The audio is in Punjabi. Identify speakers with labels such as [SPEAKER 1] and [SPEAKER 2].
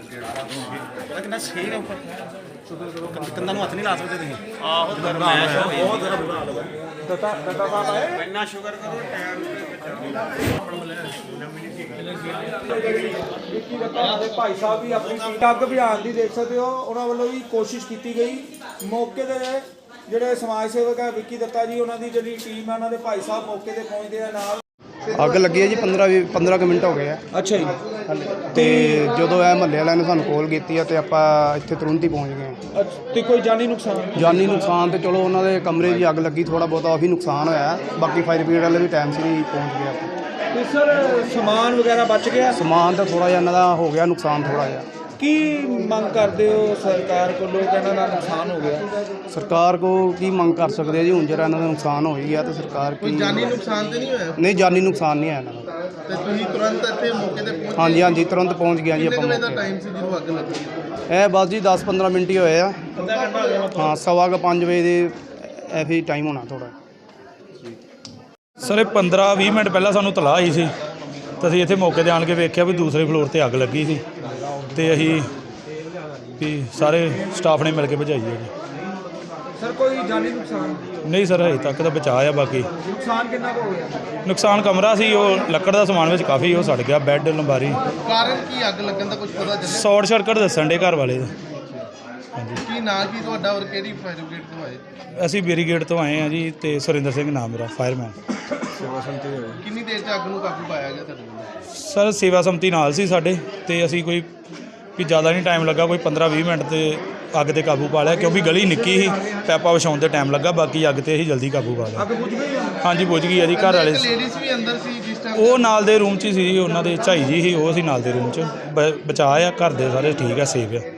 [SPEAKER 1] ਪਤਾ ਕਿੰਨਾ ਛੇਕ ਹੈ ਉੱਪਰ ਕੰਨਾਂ ਨੂੰ ਹੱਥ ਨਹੀਂ ਲਾ ਸਕਦੇ ਤੁਸੀਂ।
[SPEAKER 2] ਆਹੋ ਗਰਮੈਸ਼ ਹੋਈ
[SPEAKER 1] ਬਹੁਤ ਜ਼ਿਆਦਾ ਬੁਰਾ ਹਾਲ ਹੈ। ਦਤਾ ਸਾਹਿਬ ਆਏ
[SPEAKER 2] ਇੰਨਾ ਸ਼ੁਕਰ ਕਰੋ ਟਾਇਰ
[SPEAKER 3] ਵਿੱਕੀ ਦੱਤਾ ਦੇ ਭਾਈ ਸਾਹਿਬ ਵੀ ਆਪਣੀ ਅੱਗ ਬੁਝਾਉਣ ਦੀ ਦੇਖ ਸਕਦੇ ਹੋ, ਉਹਨਾਂ ਵੱਲੋਂ ਵੀ ਕੋਸ਼ਿਸ਼ ਕੀਤੀ ਗਈ। ਮੌਕੇ ਦੇ ਜਿਹੜੇ ਸਮਾਜ ਸੇਵਕ ਹੈ ਵਿੱਕੀ ਦੱਤਾ ਜੀ, ਉਹਨਾਂ ਦੀ ਜਿਹੜੀ ਟੀਮ ਹੈ, ਉਹਨਾਂ ਦੇ ਭਾਈ ਸਾਹਿਬ ਮੌਕੇ ਤੇ ਪਹੁੰਚਦੇ ਆ ਨਾਲ।
[SPEAKER 4] ਅੱਗ ਲੱਗੀ ਹੈ ਜੀ 15 ਕੁ ਮਿੰਟ ਹੋ ਗਏ ਆ।
[SPEAKER 3] ਅੱਛਾ ਜੀ।
[SPEAKER 4] ਤੇ ਜਦੋਂ ਇਹ ਮਹੱਲੇ ਵਾਲਿਆਂ ਨੇ ਸਾਨੂੰ ਕਾਲ ਕੀਤੀ ਆ ਤੇ ਆਪਾਂ ਇੱਥੇ ਤੁਰੰਤ ਹੀ ਪਹੁੰਚ ਗਏ।
[SPEAKER 3] ਤੇ ਕੋਈ ਜਾਨੀ ਨੁਕਸਾਨ?
[SPEAKER 4] ਜਾਨੀ ਨੁਕਸਾਨ ਤੇ ਚਲੋ ਉਹਨਾਂ ਦੇ ਕਮਰੇ 'ਚ ਅੱਗ ਲੱਗੀ, ਥੋੜਾ ਬਹੁਤਾ ਉਹੀ ਨੁਕਸਾਨ ਹੋਇਆ, ਬਾਕੀ ਫਾਇਰ ਬ੍ਰਿਗੇਡ ਵਾਲੇ ਵੀ ਟਾਈਮ ਸਿਰ ਹੀ ਪਹੁੰਚ ਗਏ ਆਪਾਂ।
[SPEAKER 3] ਤੇ ਸਰ ਸਮਾਨ ਵਗੈਰਾ ਬਚ ਗਿਆ?
[SPEAKER 4] ਸਮਾਨ ਤਾਂ ਥੋੜਾ ਜਿਹਾ ਇਹਨਾਂ ਦਾ ਹੋ ਗਿਆ ਨੁਕਸਾਨ ਥੋੜਾ ਜਿਹਾ।
[SPEAKER 3] ਕੀ ਮੰਗ ਕਰਦੇ ਹੋ ਸਰਕਾਰ ਕੋਲੋਂ? ਇਹਨਾਂ ਦਾ ਨੁਕਸਾਨ ਹੋ ਗਿਆ,
[SPEAKER 4] ਸਰਕਾਰ ਕੋ ਕੀ ਮੰਗ ਕਰ ਸਕਦੇ ਆ ਜੀ? ਹੁਣ ਜਿਹੜਾ ਇਹਨਾਂ ਦਾ ਨੁਕਸਾਨ ਹੋ ਹੀ ਗਿਆ ਤੇ ਸਰਕਾਰ ਕੀ
[SPEAKER 2] ਜਾਨੀ ਨੁਕਸਾਨ ਤੇ ਨਹੀਂ ਹੋਇਆ?
[SPEAKER 4] ਨਹੀਂ, ਜਾਨੀ ਨੁਕਸਾਨ ਨਹੀਂ ਆਇਆ ਇਹਨਾਂ ਦਾ।
[SPEAKER 2] ਤੇ ਤੁਸੀਂ ਤੁਰੰਤ ਇੱਥੇ ਮੌਕੇ ਤੇ ਪਹੁੰਚ?
[SPEAKER 4] ਹਾਂਜੀ ਤੁਰੰਤ ਪਹੁੰਚ ਗਿਆ ਜੀ ਆਪਾਂ।
[SPEAKER 2] ਕਿੰਨੇ ਦਾ ਟਾਈਮ ਸੀ ਜਦੋਂ ਅੱਗ ਲੱਗੀ?
[SPEAKER 4] ਇਹ ਬਸ ਜੀ 10-15 ਮਿੰਟ ਹੀ ਹੋਏ ਆ। ਹਾਂ, 4:15 ਵਜੇ ਦੇ ਐਫੀ ਟਾਈਮ ਹੋਣਾ ਥੋੜਾ।
[SPEAKER 5] ਸਰ ਇਹ 15-20 ਮਿੰਟ ਪਹਿਲਾਂ ਸਾਨੂੰ ਤਲਾਹ ਆਈ ਸੀ ਤਾਂ ਅਸੀਂ ਇੱਥੇ ਮੌਕੇ 'ਤੇ ਆਣ ਕੇ ਵੇਖਿਆ ਵੀ ਦੂਸਰੇ ਫਲੋਰ ਤੇ ਅੱਗ ਲੱਗੀ ਸੀ ਤੇ ਅਸੀਂ ਵੀ ਸਾਰੇ ਸਟਾਫ ਨੇ ਮਿਲ ਕੇ ਬੁਝਾਈ ਹੈ ਜੀ।
[SPEAKER 3] ਸਰ ਕੋਈ ਜਾਨੀ ਨੁਕਸਾਨ?
[SPEAKER 5] ਨਹੀਂ ਸਰ, ਹਜੇ ਤੱਕ ਤਾਂ ਬਚਾਅ ਆ। ਬਾਕੀ
[SPEAKER 3] ਨੁਕਸਾਨ ਕਿੰਨਾ ਕੁ ਹੋ ਗਿਆ?
[SPEAKER 5] ਨੁਕਸਾਨ ਕਮਰਾ ਸੀ, ਉਹ ਲੱਕੜ ਦਾ ਸਮਾਨ ਵਿੱਚ ਕਾਫੀ ਉਹ ਸੜ ਗਿਆ, ਬੈੱਡ ਲੰਬਾਰੀ।
[SPEAKER 2] ਕਾਰਨ ਕੀ ਅੱਗ ਲੱਗਣ ਦਾ ਕੁਝ ਪਤਾ ਚੱਲਿਆ?
[SPEAKER 5] ਸ਼ਾਰਟ ਸਰਕਟ ਦੱਸਣ ਦੇ ਘਰ ਵਾਲੇ ਦਾ। ਹਾਂਜੀ।
[SPEAKER 2] ਕੀ ਨਾਂ ਕੀ ਤੁਹਾਡਾ ਔਰ ਕਿਹੜੀ ਫਾਇਰ ਬ੍ਰਿਗੇਡ ਤੋਂ ਆਏ?
[SPEAKER 5] ਅਸੀਂ ਬੈਰੀਗੇਡ ਤੋਂ ਆਏ ਹਾਂ ਜੀ ਤੇ ਸੁਰਿੰਦਰ ਸਿੰਘ ਨਾਮ ਮੇਰਾ, ਫਾਇਰਮੈਨ।
[SPEAKER 2] ਕਿੰਨੀ ਦੇਰ 'ਚ ਅੱਗ ਨੂੰ ਕਾਬੂ ਪਾਇਆ ਗਿਆ ਤੁਹਾਡੇ ਵੱਲੋਂ?
[SPEAKER 5] ਸਰ ਸੇਵਾ ਸੰਮਤੀ ਨਾਲ ਸੀ ਸਾਡੇ ਤੇ ਅਸੀਂ ਕੋਈ ਵੀ ਜ਼ਿਆਦਾ ਨਹੀਂ ਟਾਈਮ ਲੱਗਾ, ਕੋਈ 15-20 ਮਿੰਟ ਤੇ ਅੱਗ ਤੇ ਕਾਬੂ ਪਾ ਲਿਆ, ਕਿਉਂਕਿ ਗਲੀ ਨਿੱਕੀ ਸੀ, ਪੈਪਾ ਵਿਛਾਉਣ ਤੇ ਟਾਈਮ ਲੱਗਾ। ਬਾਕੀ ਅੱਗ ਤੇ ਅਸੀਂ ਜਲਦੀ ਕਾਬੂ ਪਾ ਲਿਆ।
[SPEAKER 3] ਅੱਗ ਬੁਝ ਗਈ?
[SPEAKER 5] ਹਾਂਜੀ ਬੁਝ ਗਈ ਹੈ ਜੀ। ਘਰ ਵਾਲੇ
[SPEAKER 2] ਲੇਡੀਜ਼ ਵੀ ਅੰਦਰ ਸੀ ਜਿਸ ਟਾਈਮ?
[SPEAKER 5] ਉਹ ਨਾਲ ਦੇ ਰੂਮ 'ਚ ਹੀ ਸੀ ਜੀ, ਉਹਨਾਂ ਦੇ ਝਾਈ ਜੀ ਸੀ, ਉਹ ਸੀ ਨਾਲ ਦੇ ਰੂਮ 'ਚ। ਬਚਾਅ ਆ, ਘਰ ਦੇ ਸਾਰੇ ਠੀਕ ਆ, ਸੇਫ ਆ।